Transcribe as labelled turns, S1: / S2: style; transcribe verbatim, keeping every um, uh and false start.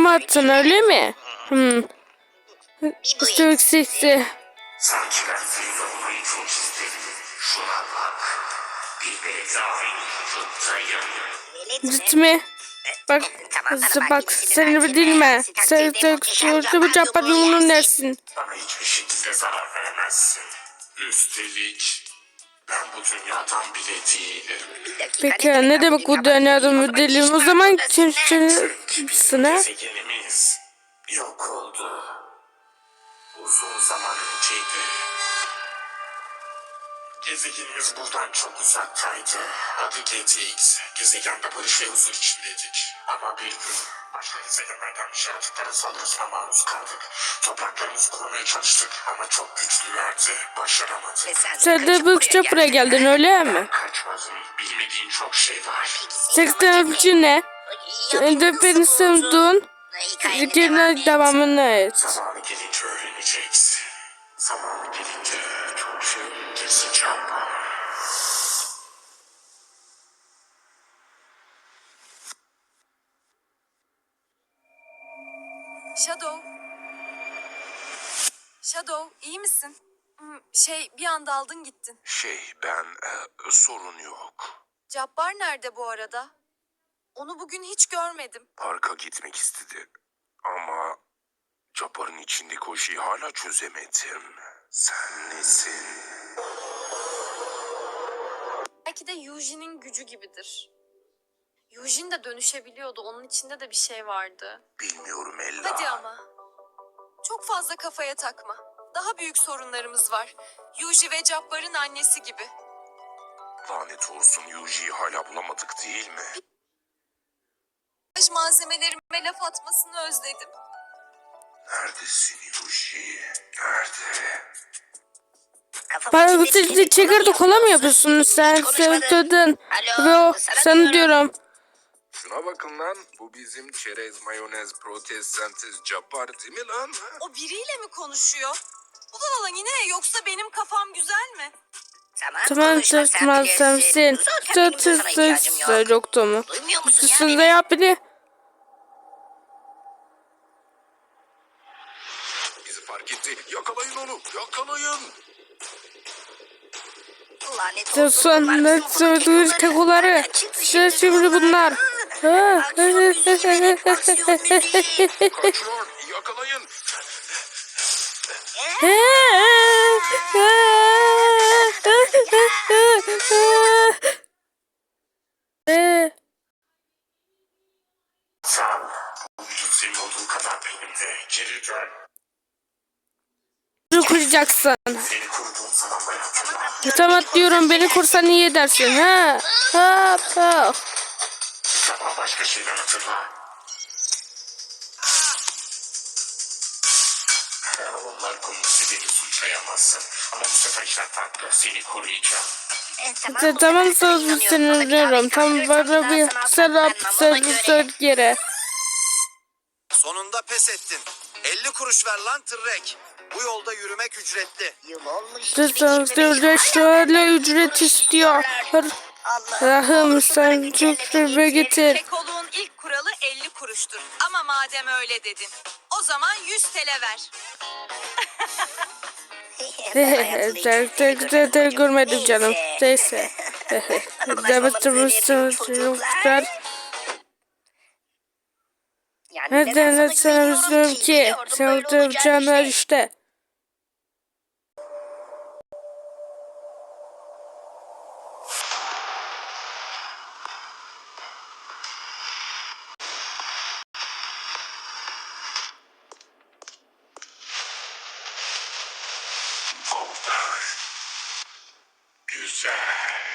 S1: mı attın öyle mi? Hmm. Çok seksi.
S2: Sanki ben senin olmayı çok istedim. Şuna bak. Bir bedavayı tuttayım.
S1: Gitme. Bak, bak seni bir dilme. Sen sen bu Cabbar yumruğun dersin.
S2: Bana hiçbir şekilde zarar veremezsin. Üstelik ben bu dünyadan bile değilim.
S1: Peki ne demek bu dünyadan değilim? O zaman kimsin ha?
S2: Gezegenimiz yok oldu. Uzun zaman önceydi. Gezegenimiz buradan çok uzaktaydı. Adı G T X. Gezegende barış ve huzur içindeydik. Ama bir gün başka gezegenlerden bir yaratıklara saldırısına maruz kaldık. Topraklarımızı korumaya çalıştık ama çok güçlülerdi. Başaramadık.
S1: Sen de bu buraya geldin öyle mi?
S2: Kaçmadım. Bilmediğin çok şey var.
S1: seksen öpücü ne? Sen de beni sevdin. Hikayenin devamını et.
S2: Zamanı gelince öğreneceksin. Zamanı gelince çok şey keseceğim.
S3: Shadow. Shadow, iyi misin? Hmm, Şey, bir anda aldın gittin.
S2: Şey ben e, sorun yok.
S3: Cabbar nerede bu arada? Onu bugün hiç görmedim.
S2: Parka gitmek istedi. Ama Cabbar'ın içindeki o şeyi hala çözemedim. Sen nesin?
S3: Belki de Yuji'nin gücü gibidir. Yujin de dönüşebiliyordu. Onun içinde de bir şey vardı.
S2: Bilmiyorum Ella.
S3: Hadi ama. Çok fazla kafaya takma. Daha büyük sorunlarımız var. Yuji ve Cabbar'ın annesi gibi.
S2: Lanet olsun Yuji'yi hala bulamadık değil mi?
S3: Makyaj malzemelerime laf atmasını özledim.
S2: Neredesin Yuji? Nerede?
S1: Bana bu sesi çekirde kola mı yapıyorsun sen? Sevdin. Ve o sana diyorum.
S2: Şuna bakın lan. Bu bizim çerez, mayonez, protestsentiz Cabbar değil mi lan?
S3: O biriyle mi konuşuyor? Ulan ulan yine yoksa benim kafam güzel mi?
S1: Tamam tutmaz sensin. Tut tut tut. Yoktu mu? Üstünde yap beni.
S2: Bizi fark etti. Yakalayın onu. Yakalayın.
S1: Son ne söylediğiniz kekoları. İşte şimdi bunlar.
S2: Kaçıyor. Yakalayın. Sen bu vücut senin olduğu kadar benim de. Geri dön.
S1: Bunu kuracaksın.
S2: Seni koruduğum zamanları hatırla.
S1: Tamam diyorum beni kursan iyi edersin. Ha. Ha. Ha.
S2: Zaman başka şeyler hatırla. Onlar konusunda beni suçlayamazsın. Ama bu sefer işler farklı. Seni koruyacağım.
S1: Tamam söz sinirliyorum. Tam bana bir serap söz yere.
S4: Sonunda pes ettin. elli kuruş ver lan tırrek. Bu yolda yürümek ücretli.
S1: Sözde şöyle ücret istiyor. Rahım sen cükrübe getir.
S3: Kekoluğun ilk kuralı elli kuruştur. Ama madem öyle dedin, o zaman yüz T L ver.
S1: Tek tek tek görmedim canım. Neyse. Demetrimizden neden sana üzülüyorum ki? Sevdiğim canlar işte.
S2: Güzel.